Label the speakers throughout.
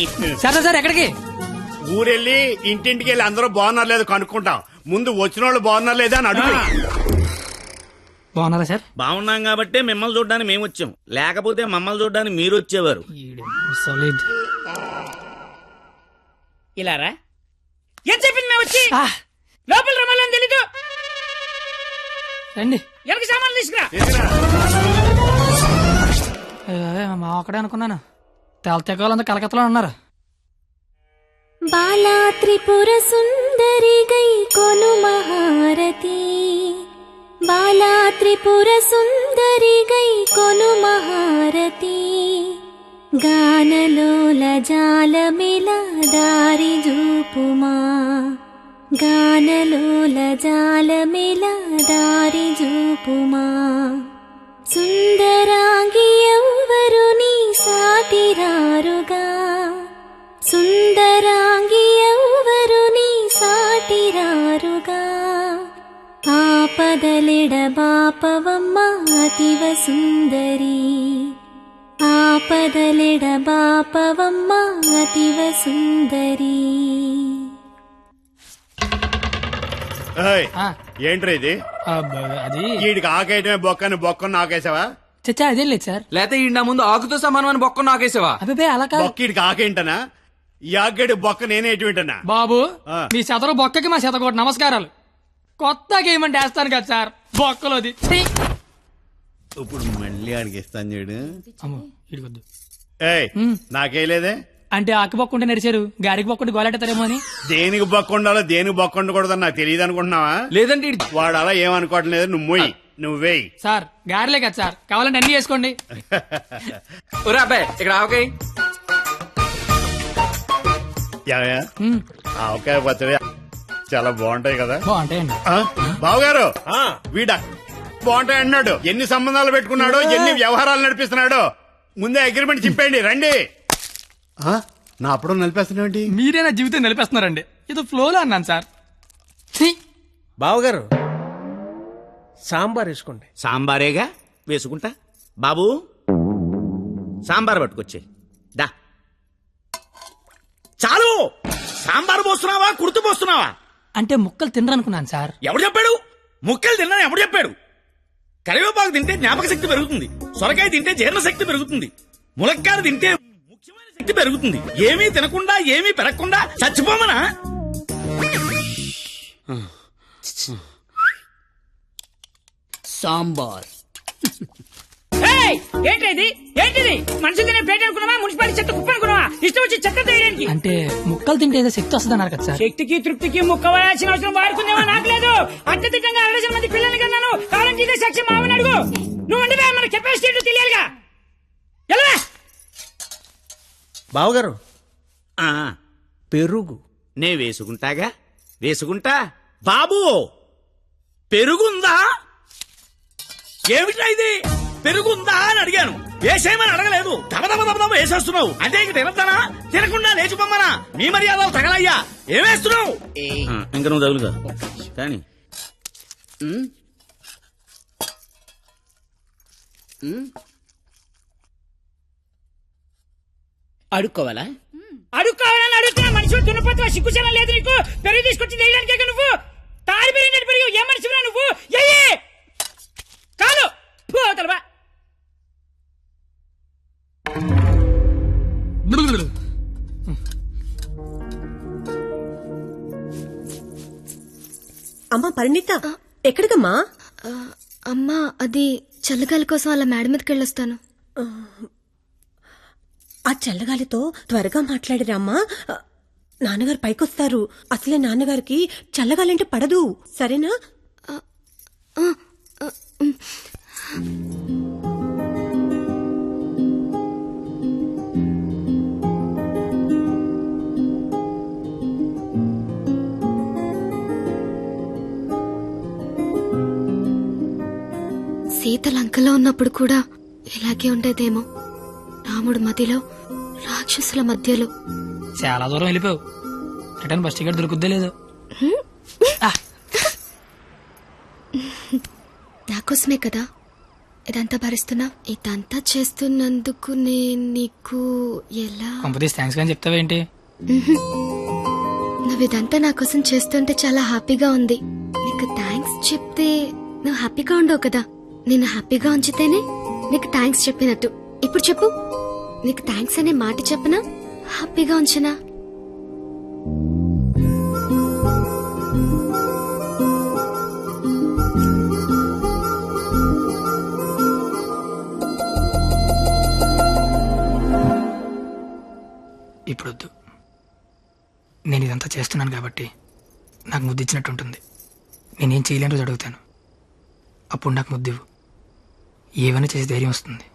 Speaker 1: సరే సార్ ఎక్కడికి?
Speaker 2: ఊరెళ్ళి ఇంటింటికి వెళ్ళి అందరూ బాగున్నారు లేదు కనుక్కుంటాం. ముందు వచ్చిన వాళ్ళు బాగున్నారు లేదా అని అడుగు.
Speaker 1: బాగున్నారా సార్?
Speaker 3: బాగున్నాం కాబట్టి మిమ్మల్ని చూడడానికి మేము వచ్చాం, లేకపోతే మమ్మల్ని చూడడానికి మీరు వచ్చేవారు.
Speaker 4: ఇలా రా. ఏం చెప్పింది మేము వచ్చి లోపల రమ్మాలని తెలీదు.
Speaker 1: రండి.
Speaker 4: ఎవరికి సామాన్లు తీసుకురా.
Speaker 1: మా ఒక్కడే అనుకున్నాను. తెలతెక్కలంతా కలకత్తలో ఉన్నారు.
Speaker 5: బాలా త్రిపుర సుందరి గై కొను మహారతి, బాలా త్రిపుర సుందరి గై కొను మహారతి, గానలోల జాలమిల దారి జూపుమా, గానలోల జాలమిల దారి జూపుమా, సుందరాంగి ఎవ్వరు నీ సాటిరారుగా, సుందరాంగి ఎవ్వరు నీ సాటిరారుగా, ఆపదలెడ బాపవమ్మ అతివ సుందరి, ఆపదలెడ బాపవమ్మ అతివ సుందరి.
Speaker 2: ఏంట్రా ఇది?
Speaker 1: అది
Speaker 2: వీడికి ఆకేయటమే బొక్కని బొక్కను ఆకేసావా?
Speaker 1: చచ్చా అదేం లేదు సార్.
Speaker 6: లేకపోతే ఈ నా ముందు ఆకుతో సమానమైన బొక్క నాకేసావా?
Speaker 1: అబ్బాయి అలా కాదు.
Speaker 2: బొక్కీడికి ఆకేంటనా? ఈ ఆకేడు బొక్క నేనే ఎటువంటనా?
Speaker 1: బాబు మీ శతరు బొక్కకి మా శతకోటి నమస్కారాలు. కొత్త గేమ్ అంటే వేస్తాను కదా సార్ బొక్కలోది.
Speaker 2: ఇప్పుడు మళ్ళీ ఆడికి ఇస్తాను చూడు.
Speaker 1: అమ్మో ఇడికొద్దు.
Speaker 2: ఏయ్ నాకేలేదే
Speaker 1: అంటే ఆకు బొక్క ఉంటే నడిచారు, గారికి బొక్క ఉంటే గోలెట్టారేమో అని.
Speaker 2: దేనికి బొక్క ఉండాలో దేనికి బొక్క ఉండకూడదని నాకు తెలియదు అనుకుంటున్నావా?
Speaker 6: లేదంటే
Speaker 2: వాడు అలా ఏమనుకోవట్లేదు. నువ్వు మొయ్యి, నువ్వేయి.
Speaker 1: సార్ గారిలే కదా సార్, కావాలంటే అన్ని చేసుకోండి.
Speaker 6: ఒరే అబ్బాయి ఇక్కడ ఆవకాయ.
Speaker 2: ఆవకాయ పచ్చడి చాలా బాగుంటాయి కదా?
Speaker 1: బాగుంటాయండి.
Speaker 2: బావగారు వీడ బాగుంటాయి అన్నాడు. ఎన్ని సంబంధాలు పెట్టుకున్నాడో, ఎన్ని వ్యవహారాలు నడిపిస్తున్నాడో ముందే అగ్రిమెంట్ చెప్పండి. రండి. నా అప్పుడు నడిపేస్తున్నాండి.
Speaker 1: మీరే నా జీవితం నిలిపేస్తున్నారండి. ఇది ఫ్లోలో అన్నాను సార్.
Speaker 7: బావగారు సాంబార్ వేసుకోండి.
Speaker 3: సాంబారేగా వేసుకుంటా. బాబు సాంబార్ పట్టుకొచ్చే. దా చాలు. సాంబార్ పోస్తున్నావా కుర్తు పోస్తున్నావా?
Speaker 1: అంటే ముక్కలు తినరనుకున్నాను సార్.
Speaker 3: ఎవడు చెప్పాడు? ముక్కలు తిన్నా ఎవడు చెప్పాడు? కరివేపాకు తింటే జ్ఞాపక శక్తి పెరుగుతుంది, సొరకాయ తింటే జీర్ణ శక్తి పెరుగుతుంది, ములక్కాయలు తింటే ముఖ్యమైన శక్తి పెరుగుతుంది. ఏమీ తినకుండా ఏమీ పెరగకుండా చచ్చిపోమనా?
Speaker 4: సాంబార్ ఏంటిది? ఏంటిది? మనుషులు తినే ప్లేట్ అనుకున్నావా? మున్సిపాలిటీ చెత్త కుప్ప అనుకున్నావా? ఇష్టం వచ్చి చెత్త తీయడానికి.
Speaker 1: అంటే ముక్కలు తింటే ఏదో శక్తి వస్తుంది అన్నారు కదా సార్.
Speaker 4: శక్తికి తృప్తికి ముక్క వేయాల్సిన అవసరం వాడుకుందేమో నాకు లేదు. అత్యధికంగా 60 మంది పిల్లల్ని కన్నాను. కావాలంటే ఇదే సాక్ష్యం మావని అడుగు. నువ్వు అంటే మన కెపాసిటీ తెలియాలిగా. ఎలా
Speaker 7: బావగారు
Speaker 3: ఆ,
Speaker 7: పెరుగు
Speaker 3: నే వేసుకుంటాగా, వేసుకుంటా. బాబు పెరుగుందా? ఏమిటా ఇది? పెరుగుందా అని అడిగాను, వేసేయమని అడగలేదు. దబదబ వేసేస్తున్నావు. అంటే ఇంక తినద్దానా? తినకుండా లేచిపోమ్మనా? మీ మర్యాదలు తగలయ్యా. ఏమేస్తున్నావు? ఇంకా నువ్వు తగులుగా కానీ
Speaker 4: అడుక్కోవాలా? అడుక్కోవాలని అడుగుతున్నా. మనిషి దున్నపోతున్నా, సిగ్గుచనం లేదు నీకు. పెరుగు తీసుకొచ్చి వేయడానికే నువ్వు తాడి పెరిగినట్టు పెరుగు. ఏ మనిషిరా నువ్వు? కాదు పోతలవా.
Speaker 8: అమ్మా పరిణిత ఎక్కడికమ్మా?
Speaker 5: అమ్మా అది చల్లగాలి కోసం అలా మేడ మీదకి వెళ్ళొస్తాను.
Speaker 8: ఆ చల్లగాలితో త్వరగా మాట్లాడిరామ్మా. నాన్నగారు పైకొస్తారు. అసలే నాన్నగారికి చల్లగాలంటే పడదు. సరేనా?
Speaker 5: సీత లంకలో ఉన్నప్పుడు కూడా ఇలాగే ఉండేదేమో. రాముడు మదిలో, రాక్షసుల మధ్యలో.
Speaker 1: చాలా దూరం వెళ్ళిపోయావు. రిటర్న్ బస్ టికెట్ దొరుకుద్దే లేదు.
Speaker 5: నాకోసమే కదా ఇదంతా భరిస్తున్నా? ఇదంతా చేస్తున్నందుకు నేను నీకు ఎలా?
Speaker 1: కంపెనీస్ థ్యాంక్స్ కానీ చెప్తావేంటి?
Speaker 5: నువ్వు ఇదంతా నా కోసం చేస్తుంటే చాలా హ్యాపీగా ఉంది. నీకు థ్యాంక్స్ చెప్తే నువ్వు హ్యాపీగా ఉండవు కదా. నేను హ్యాపీగా ఉంచితేనే నీకు థ్యాంక్స్ చెప్పినట్టు. ఇప్పుడు చెప్పు, నీకు థ్యాంక్స్ అనే మాట చెప్పనా, హ్యాపీగా ఉంచనా?
Speaker 1: ఇప్పుడు వద్దు. నేను ఇదంతా చేస్తున్నాను కాబట్టి నాకు ముద్దు ఇచ్చినట్టు ఉంటుంది. నేనేం చేయలేని రోజు అడుగుతాను, అప్పుడు నాకు ముద్దు ఇవ్వు. ఏమైనా చేసి ధైర్యం వస్తుంది.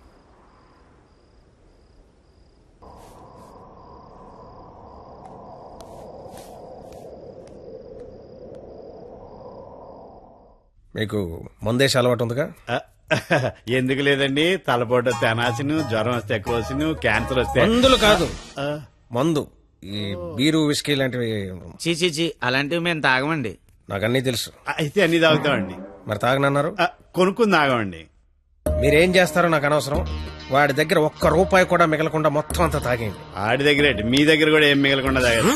Speaker 7: మీకు మందేసి అలవాటు ఉందిగా?
Speaker 2: ఎందుకు లేదండి, తలపోట తెనాసిను, జ్వరం వస్తే ఎక్కువసిను, క్యాన్సర్ వస్తే
Speaker 7: మందులు కాదు, మందు. ఈ బీరు విస్కీ లాంటివి
Speaker 3: చీ అలాంటివి మేము తాగమండి.
Speaker 7: నాకు అన్నీ తెలుసు.
Speaker 2: అయితే అన్ని తాగుతామండి.
Speaker 7: మరి తాగనన్నారు.
Speaker 2: కొనుక్కుని తాగమండి.
Speaker 7: మీరేం చేస్తారో నాకు అనవసరం. వాడి దగ్గర ఒక్క రూపాయి కూడా మిగలకుండా మొత్తం అంతా తాగేయండి.
Speaker 2: ఆడి దగ్గర ఏంటి, మీ దగ్గర కూడా ఏం మిగలకుండా తాగారు.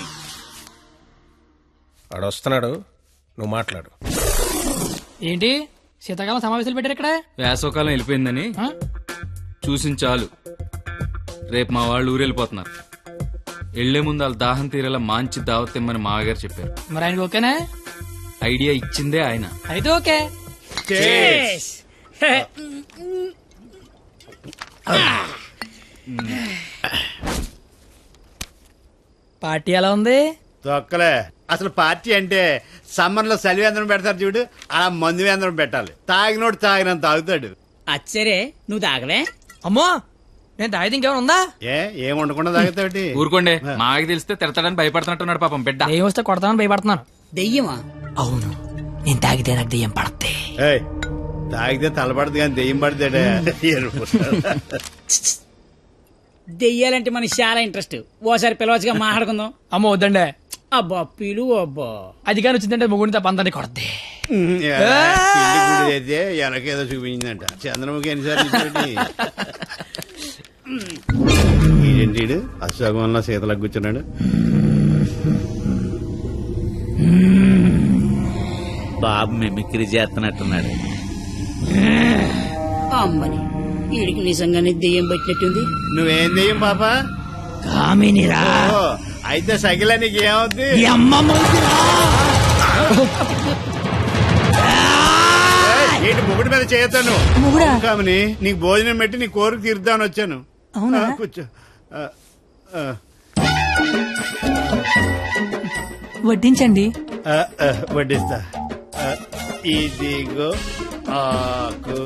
Speaker 7: వాడు వస్తున్నాడు, నువ్వు మాట్లాడు.
Speaker 1: ఏంటి శీతాకాలం సమావేశాలు పెట్టారు ఇక్కడ?
Speaker 6: వేసవకాలం వెళ్ళిపోయిందని
Speaker 1: ఆ?
Speaker 6: చూసిన చాలు. రేపు మా వాళ్ళు ఊరెళ్ళిపోతున్నారు. వెళ్లే ముందు వాళ్ళ దాహం తీరేలా మంచి దావత్ ఇమ్మని మామగారు చెప్పారు.
Speaker 1: మరి ఆయనకి ఓకేనా?
Speaker 6: ఐడియా ఇచ్చిందే ఆయన.
Speaker 1: అయితే ఓకే. పార్టీ ఎలా ఉంది?
Speaker 2: తొక్కలే. అసలు పార్టీ అంటే సమ్మర్ లో చలివేంద్రం పెడతారు చూడు, అలా మందు వేంద్రం పెట్టాలి. తాగినోడు తాగినంత తాగుతాడు.
Speaker 4: అచ్చరే నువ్వు తాగలే?
Speaker 1: అమ్మో, నేను తాగితే ఇంకేమైనా ఉందా?
Speaker 2: ఏం ఉండకుండా తాగుతాడు.
Speaker 6: ఊరుకోండి, మాకి తెలిస్తే తిడతాడని భయపడుతున్నట్టున్నాడు పాపం బిడ్డ.
Speaker 1: దెయ్యం వస్తే కొడతామని భయపడుతున్నాను.
Speaker 4: దెయ్యమా?
Speaker 1: అవును, నేను తాగితే నాకు దెయ్యం పడతే.
Speaker 2: ఏయ్, తాగితే తలపడదు కానీ దెయ్యం పడతాడే.
Speaker 4: దెయ్యాలంటే మనకి చాలా ఇంట్రెస్ట్. ఓసారి పిలవచ్చుగా, మాట్లాడుకుందాం.
Speaker 1: అమ్మో వద్దండే.
Speaker 4: అబ్బా పిలువు. అబ్బా
Speaker 1: అది కానీ వచ్చిందంటే ముగ్గురిని తప్ప అందరినీ కొడద్ది.
Speaker 2: అయితే వెనకేదో చూపించిందంట. చంద్రముఖి ఎన్నిసార్లు ఏంటి అశోకంలో శీతలకు కూర్చున్నాడు.
Speaker 3: బాబు మిమిక్రీ చేస్తున్నట్టున్నాడు.
Speaker 4: అమ్మని వీడికి నిజంగానే దెయ్యం పట్టినట్టుంది.
Speaker 2: నువ్వేం దెయ్యం పాపా?
Speaker 4: కామినిరా.
Speaker 2: ఓ, అయితే సగిల నీకు ఏమవుద్ది? ఏంటి ముగుడి మీద చేయతాను కామని, నీకు భోజనం పెట్టి నీ కోరిక తీర్దామని వచ్చాను. కూర్చో.
Speaker 1: వడ్డించండి.
Speaker 2: వడ్డిస్తా. ఇదిగో ఆకు.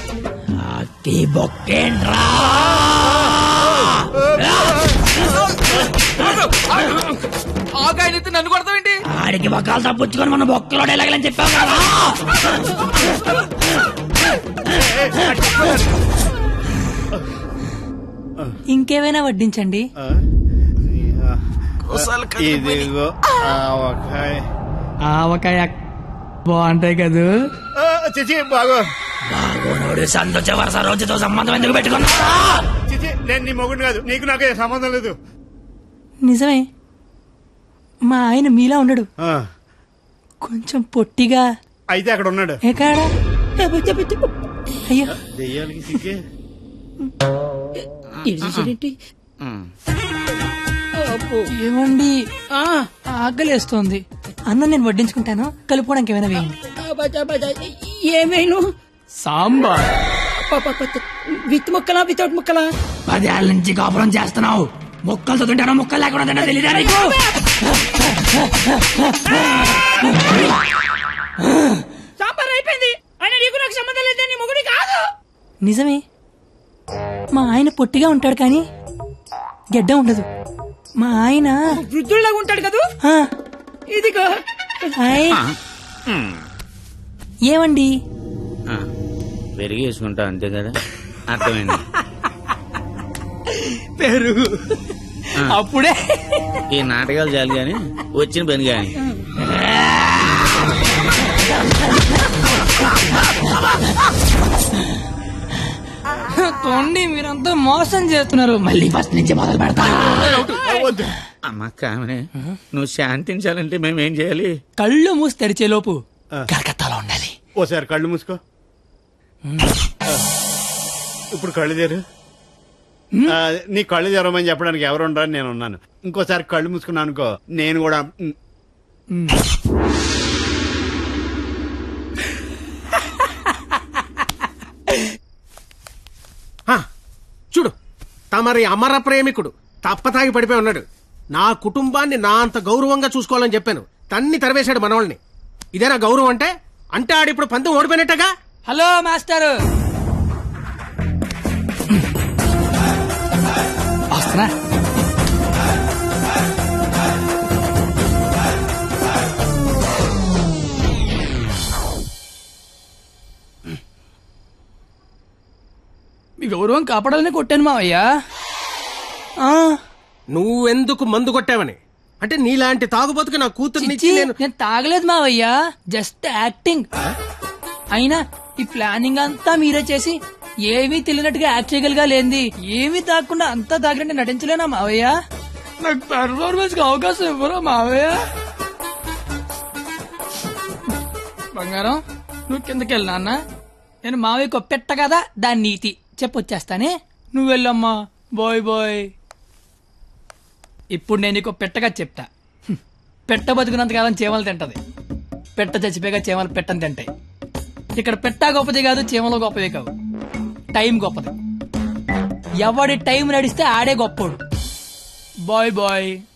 Speaker 6: ఆకాయనైతే నన్ను కొడతావేంటి?
Speaker 4: ఆడికి బొక్కలు తప్పుచ్చుకొని మన బొక్కలో ఎలాగలని చెప్పావు కదా.
Speaker 1: ఇంకేమైనా వడ్డించండి.
Speaker 2: ఇదిగో ఆవకాయ.
Speaker 1: ఆవకాయ బాగుంటాయి కదూ.
Speaker 2: చిచి బాగో.
Speaker 4: బాగోనోడు సంతోష వరుస రోజుతో సంబంధం ఎందుకు పెట్టుకున్నా?
Speaker 2: చిచి, నేను నీ మొగుడు కాదు, నీకు నాకు ఏ సంబంధం లేదు.
Speaker 1: నిజమే, మా ఆయన మీలా ఉండడు,
Speaker 2: ఆ,
Speaker 1: కొంచెం పొట్టిగా.
Speaker 2: అయితే అక్కడ ఉన్నాడు.
Speaker 1: ఎక్కడా? అయ్యో,
Speaker 2: దెయ్యాలకి సిగ్గే.
Speaker 1: ఏమండి, ఆకలేస్తోంది. అన్నం నేను వడ్డించుకుంటాను, కలుపుకోవడానికి ఏమైనా వేయండి.
Speaker 4: ఏమైనా
Speaker 1: సాంబార్.
Speaker 4: విత్ ముక్కలా వితౌట్ ముక్కలా? 10 ఏళ్ళ నుంచి కాపురం చేస్తున్నావు, ముక్కలతో తింటానో ముక్కలు లేకుండా తింటా తెలీదా నీకు? సాంబార్ అయిపోయింది. ఆయన నీకు నాకు సంబంధం లేదు, నీ మొగుడి కాదు.
Speaker 1: నిజమే, మా ఆయన పొట్టిగా ఉంటాడు కానీ గెడ్డ ఉండదు. మా ఆయన
Speaker 4: వృద్ధుల్లాగా ఉంటాడు కదా.
Speaker 1: ఆ,
Speaker 4: ఇదిగో
Speaker 1: హాయ్. ఏమండి,
Speaker 3: పెరిగి వేసుకుంటా అంతే కదా. అర్థమైంది.
Speaker 1: పెరుగు అప్పుడే.
Speaker 3: ఈ నాటకాలు చాలు గాని వచ్చిన పని గాని.
Speaker 1: తోండి మీరంతా మోసం చేస్తున్నారు మళ్ళీ ఫస్ట్ నుంచి మొదలు పెడతా
Speaker 2: వద్దు.
Speaker 3: అమ్మ కామనే నువ్వు శాంతించాలంటే మేమేం చేయాలి?
Speaker 1: కళ్ళు మూసి తెరిచేలోపు కలకత్తాలో ఉండాలి.
Speaker 2: ఓసారి కళ్ళు మూసుకో. ఇప్పుడు కళ్ళు తెరు. నీ కళ్ళు తెరవమని చెప్పడానికి ఎవరు ఉండరని నేను ఉన్నాను. ఇంకోసారి కళ్ళు మూసుకున్నాను అనుకో, నేను కూడా
Speaker 7: చూడు, తమరి అమర ప్రేమికుడు తప్పతాగి పడిపోయి ఉన్నాడు. నా కుటుంబాన్ని నా అంత గౌరవంగా చూసుకోవాలని చెప్పాను. తన్ని తరివేశాడు మనవాళ్ళని. ఇదేనా గౌరవం అంటే? అంటే ఆడిప్పుడు పందెం ఓడిపోయినట్టగా.
Speaker 1: హలో మాస్టర్ వస్తున్నా. మీ గౌరవం కాపాడాలని కొట్టాను మావయ్యా.
Speaker 7: నువ్వెందుకు మందు కొట్టావని? అంటే నీలాంటి తాగుబోతుకి నా కూతుర్నిచ్చి నేను
Speaker 1: నేను తాగలేదు మావయ్యా, జస్ట్ యాక్టింగ్. అయినా ఈ ప్లానింగ్ అంతా మీరే చేసి ఏమీ తెలియనట్టుగా యాక్ట్ చేయగలిగా లేంది. ఏమీ తాగకుండా అంతా తాగినట్టు నటించలేనా మావయ్య? నాకు పెర్ఫార్మెన్స్ కి అవకాశం ఇవ్వరా మావయ్య? బంగారం నువ్వు కిందకి వెళ్ళి నాన్న, నేను మావయ్యకు పెట్ట కదా దాని నీతి చెప్పొచ్చేస్తానే. నువ్వు వెళ్ళమ్మా. Bye bye. ఇప్పుడు నేను నీకు పెట్టగా చెప్తా. పెట్ట బతుకున్నంతకాలం చీమలు తింటది, పెట్ట చచ్చిపోయాక చీమలు పెట్టని తింటాయి. ఇక్కడ పెట్ట గొప్పది కాదు, చీమలు గొప్పది కావు, టైం గొప్పది. ఎవడి టైం నడిస్తే ఆడే గొప్పోడు. Bye bye.